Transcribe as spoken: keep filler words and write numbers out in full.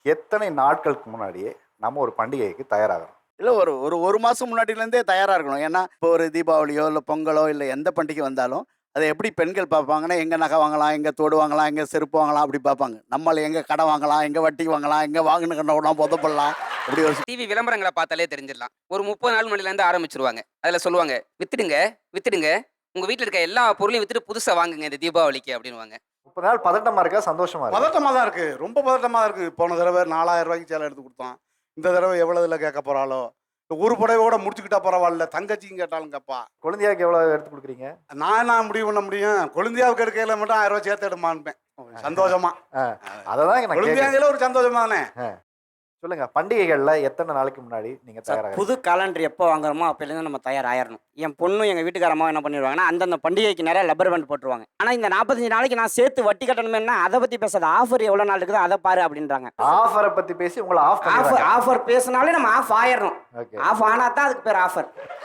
எத்தனை நாட்களுக்கு முன்னாடியே நம்ம ஒரு பண்டிகைக்கு தயாராகிறோம்? இல்லை ஒரு ஒரு ஒரு மாதம் முன்னாடியிலேருந்தே தயாராக இருக்கணும். ஏன்னா இப்போ ஒரு தீபாவளியோ இல்லை பொங்கலோ இல்லை எந்த பண்டிகை வந்தாலும் அதை எப்படி பெண்கள் பார்ப்பாங்கன்னா, எங்கே நகை வாங்கலாம், எங்கே தோடு வாங்கலாம், எங்கே செருப்பு வாங்கலாம் அப்படி பார்ப்பாங்க. நம்மள எங்கே கடை வாங்கலாம், எங்கே வட்டி வாங்கலாம், எங்கே வாங்கின கண்ணோடலாம் புதப்படலாம் அப்படி ஒரு டிவி விளம்பரங்களை பார்த்தாலே தெரிஞ்சிடலாம். ஒரு முப்பது நாள் முன்னாடிலேருந்து ஆரம்பிச்சிருவாங்க. அதில் சொல்லுவாங்க, வித்துடுங்க வித்துடுங்க உங்க வீட்டில் இருக்க எல்லா பொருளையும் வித்துட்டு புதுசாக வாங்குங்க இந்த தீபாவளிக்கு அப்படின்னுவாங்க. முப்பது நாள் பதட்டமா இருக்கா, சந்தோஷமா இருக்கா? பதட்டமாக தான் இருக்குது, ரொம்ப பதட்டமாக இருக்குது. போன தடவை நாலாயிரம் ரூபாய்க்கு சேலை எடுத்து கொடுத்தோம். இந்த தடவை எவ்வளோ இதில் கேட்க போகிறாளோ. ஒரு புடவையோட முடிச்சுக்கிட்டா பரவாயில்ல, தங்கச்சியும் கேட்டாலும் கேட்பா. குழந்தையாக்கு எவ்வளவு எடுத்து கொடுக்குறீங்க? நான் என்ன முடிவு பண்ண முடியும்? கொழுந்தியாவுக்கு எடுக்கையில மட்டும் ஆயிரம் ரூபாய் சேர்த்து எடுமான்பேன் சந்தோஷமா. அததான் நான் கேட்கிறேன். கொழுந்தியாங்கள ஒரு சந்தோஷமா தானே. சொல்லுங்க, பண்டிகைகள்ல எத்தனை நாளைக்கு முன்னாடி நீங்க சார், தயாராக? புது காலண்டர் எப்போ வாங்குறோமோ அப்போலேருந்து நம்ம தயாராகிடணும். என் பொண்ணும் எங்கள் வீட்டுக்காரம்மா என்ன பண்ணிடுவாங்கன்னா, அந்தந்த பண்டிகைக்கு நிறைய லப்பர் பேண்ட் போட்டுருவாங்க. ஆனால் இந்த நாற்பத்தஞ்சு நாளைக்கு நான் சேர்த்து வட்டி கட்டணுமேனா அதை பற்றி பேசாத, ஆஃபர் எவ்வளோ நாள் இருக்குதோ அதை பாரு அப்படின்றாங்க. ஆஃபரை பத்தி பேசி உங்களை ஆஃப் ஆஃபர் ஆஃபர் பேசினாலே நம்ம ஆஃப் ஆயிடணும். ஓகே. ஆஃப் ஆனால் தான் அதுக்கு பேர் ஆஃபர்.